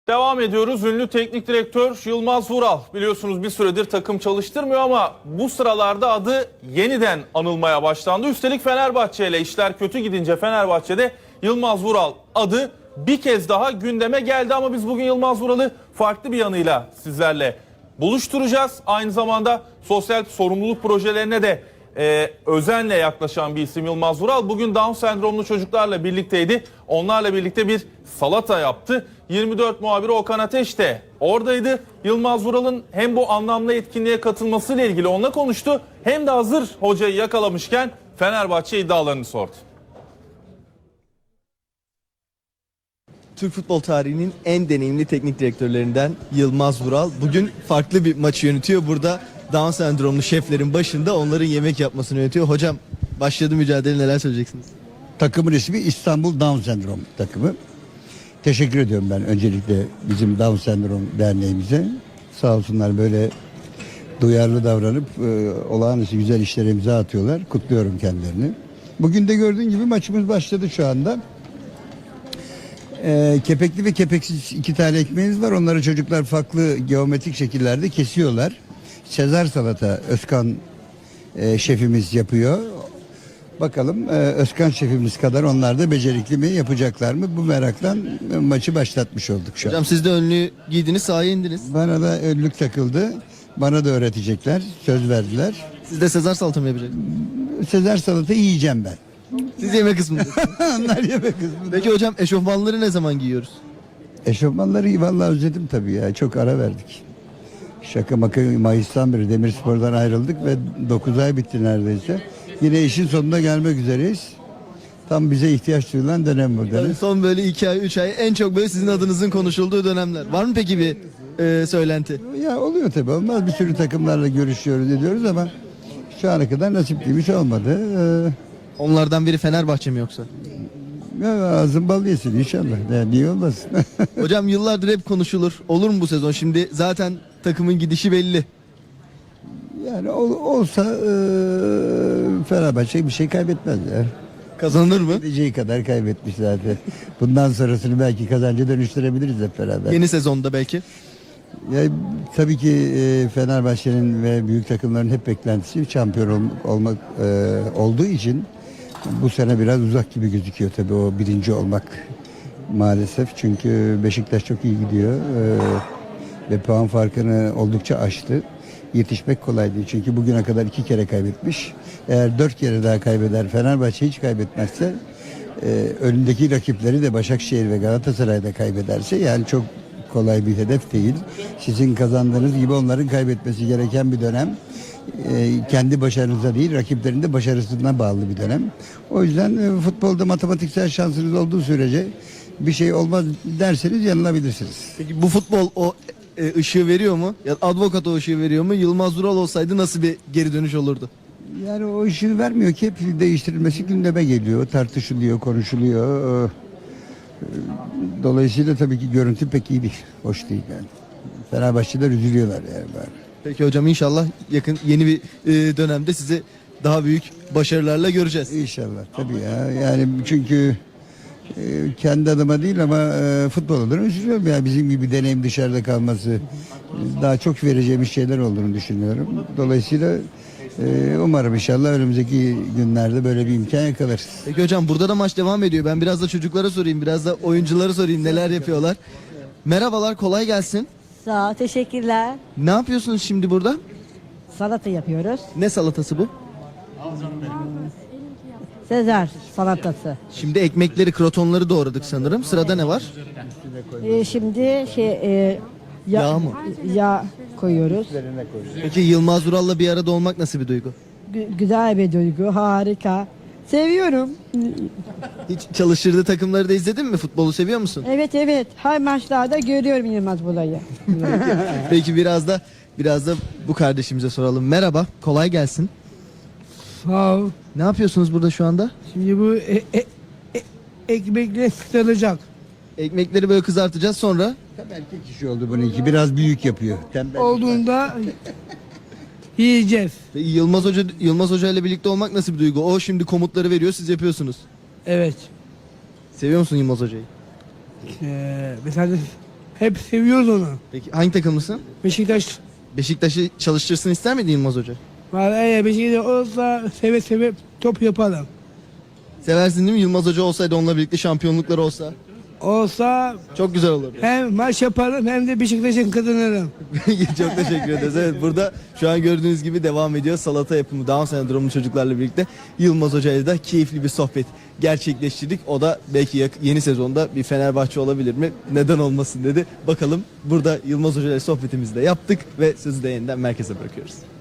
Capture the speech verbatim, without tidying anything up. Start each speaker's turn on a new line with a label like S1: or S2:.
S1: Devam ediyoruz. Ünlü teknik direktör Yılmaz Vural biliyorsunuz bir süredir takım çalıştırmıyor ama bu sıralarda adı yeniden anılmaya başlandı. Üstelik Fenerbahçe ile işler kötü gidince Fenerbahçe'de Yılmaz Vural adı bir kez daha gündeme geldi ama biz bugün Yılmaz Vural'ı farklı bir yanıyla sizlerle buluşturacağız. Aynı zamanda sosyal sorumluluk projelerine de e, özenle yaklaşan bir isim Yılmaz Vural. Bugün Down sendromlu çocuklarla birlikteydi. Onlarla birlikte bir salata yaptı. yirmi dört muhabiri Okan Ateş de oradaydı. Yılmaz Vural'ın hem bu anlamlı etkinliğe katılmasıyla ilgili onunla konuştu. Hem de hazır hocayı yakalamışken Fenerbahçe iddialarını sordu.
S2: Türk futbol tarihinin en deneyimli teknik direktörlerinden Yılmaz Vural bugün farklı bir maçı yönetiyor. Burada Down sendromlu şeflerin başında onların yemek yapmasını yönetiyor. Hocam başladı mücadele, neler söyleyeceksiniz?
S3: Takımın ismi İstanbul Down Sendrom takımı. Teşekkür ediyorum ben öncelikle bizim Down Sendrom derneğimize. Sağ olsunlar böyle duyarlı davranıp e, olağanüstü güzel işlere imza atıyorlar. Kutluyorum kendilerini. Bugün de gördüğün gibi maçımız başladı şu anda. E, kepekli ve kepeksiz iki tane ekmeğimiz var. Onları çocuklar farklı geometrik şekillerde kesiyorlar. Sezar salata Özkan e, şefimiz yapıyor. Bakalım e, Özkan şefimiz kadar onlar da becerikli mi, yapacaklar mı? Bu meraktan e, maçı başlatmış olduk şu an.
S2: Hocam siz de önlüğü giydiniz, sahaya indiniz.
S3: Bana da önlük takıldı. Bana da öğretecekler. Söz verdiler.
S2: Siz de Sezar salata mı yapacaksınız?
S3: Sezar salata yiyeceğim ben.
S2: Siz yeme kısmındasınız.
S3: Onlar yemek kısmında.
S2: Peki hocam eşofmanları ne zaman giyiyoruz?
S3: Eşofmanları vallahi özledim tabii ya. Çok ara verdik. Şaka maka Mayıs'tan beri Demirspor'dan ayrıldık ve dokuz ay bitti neredeyse. Yine işin sonuna gelmek üzereyiz. Tam bize ihtiyaç duyulan dönem bu dönem.
S2: Yani son böyle iki ay, üç ay en çok böyle sizin adınızın konuşulduğu dönemler. Var mı peki bir e, söylenti?
S3: Ya oluyor tabii, olmaz. Bir sürü takımlarla görüşüyoruz, ediyoruz ama şu ana kadar nasip değilmiş, olmadı. Ee,
S2: Onlardan biri Fenerbahçe mi yoksa?
S3: ya ağzın bal yesin inşallah. Ya, niye olmasın?
S2: Hocam yıllardır hep konuşulur. Olur mu bu sezon? Şimdi zaten takımın gidişi belli.
S3: Yani ol, olsa e, Fenerbahçe bir şey kaybetmez ya.
S2: Kazanır mı?
S3: Gideceği kadar kaybetmiş zaten. Bundan sonrasını belki kazanca dönüştürebiliriz hep beraber.
S2: Yeni sezonda belki.
S3: Ya, tabii ki e, Fenerbahçe'nin ve büyük takımların hep beklentisi şampiyon ol, olmak e, olduğu için bu sene biraz uzak gibi gözüküyor tabii o birinci olmak maalesef. Çünkü Beşiktaş çok iyi gidiyor e, ve puan farkını oldukça aştı. Yetişmek kolay değil çünkü bugüne kadar iki kere kaybetmiş. Eğer dört kere daha kaybeder, Fenerbahçe hiç kaybetmezse, e, önündeki rakipleri de Başakşehir ve Galatasaray'da kaybederse, yani çok kolay bir hedef değil. Sizin kazandığınız gibi onların kaybetmesi gereken bir dönem. E, kendi başarınıza değil, rakiplerin de başarısına bağlı bir dönem. O yüzden e, futbolda matematiksel şansınız olduğu sürece bir şey olmaz derseniz yanılabilirsiniz.
S2: Peki bu futbol o e, ışığı veriyor mu? Ya advokat o ışığı veriyor mu? Yılmaz Vural olsaydı nasıl bir geri dönüş olurdu?
S3: Yani o ışığı vermiyor ki, hep değiştirilmesi gündeme geliyor, tartışılıyor, konuşuluyor. Dolayısıyla tabii ki görüntü pek iyi değil, hoş değil yani. Fenerbahçeler üzülüyorlar yani bari.
S2: Peki hocam inşallah yakın yeni bir e, dönemde sizi daha büyük başarılarla göreceğiz.
S3: İnşallah tabii ya, yani çünkü e, kendi adıma değil ama e, futbol olarak üzülüyorum ya, bizim gibi deneyim dışarıda kalması, daha çok vereceğimiz şeyler olduğunu düşünüyorum. Dolayısıyla e, umarım inşallah önümüzdeki günlerde böyle bir imkan yakalarız.
S2: Peki hocam burada da maç devam ediyor. Ben biraz da çocuklara sorayım, biraz da oyunculara sorayım neler yapıyorlar. Merhabalar, kolay gelsin.
S4: Sağ ol, teşekkürler.
S2: Ne yapıyorsunuz şimdi burada?
S4: Salata yapıyoruz.
S2: Ne salatası bu?
S4: Sezar salatası.
S2: Şimdi ekmekleri, krotonları doğradık sanırım. Sırada ne var?
S4: Ee, şimdi şey e, ya-
S2: Yağ mı?
S4: Yağ koyuyoruz.
S2: Peki Yılmaz Vural'la bir arada olmak nasıl bir duygu?
S4: Gü- güzel bir duygu, harika. Seviyorum.
S2: Hiç çalıştırdığı takımları da izledin mi? Futbolu seviyor musun?
S4: Evet evet. Her maçlarda görüyorum Yılmaz Bulay'ı.
S2: Peki biraz da biraz da bu kardeşimize soralım. Merhaba, kolay gelsin.
S5: Sağ ol.
S2: Ne yapıyorsunuz burada şu anda?
S5: Şimdi bu e, e, e, ekmekle kıtıracak.
S2: Ekmekleri böyle kızartacağız sonra.
S3: Tam erkek işi oldu bununki, biraz büyük yapıyor. Tembel.
S5: Olduğunda yiyeceğiz.
S2: Peki Yılmaz Hoca Yılmaz Hoca ile birlikte olmak nasıl bir duygu? O şimdi komutları veriyor, siz yapıyorsunuz.
S5: Evet.
S2: Seviyor musun Yılmaz Hoca'yı?
S5: Ee, mesela Hep seviyoruz onu.
S2: Peki hangi takımlısın?
S5: Beşiktaş
S2: Beşiktaş'ı çalıştırsın ister miydin Yılmaz Hoca?
S5: var. Eğer Beşiktaş olsa seve seve top yapalım.
S2: Seversin değil mi? Yılmaz Hoca olsaydı onunla birlikte şampiyonluklar olsa.
S5: Olsa
S2: Çok güzel olurdu.
S5: hem maç yaparım hem de Beşiktaş'ın kazanırım.
S2: Çok teşekkür ederiz. Evet, burada şu an gördüğünüz gibi devam ediyor. Salata yapımı Down sendromlu çocuklarla birlikte Yılmaz Hoca ile de keyifli bir sohbet gerçekleştirdik. O da belki yak- yeni sezonda bir Fenerbahçe olabilir mi? Neden olmasın dedi. Bakalım burada Yılmaz Hoca ile sohbetimizi de yaptık ve sözü de yeniden merkeze bırakıyoruz.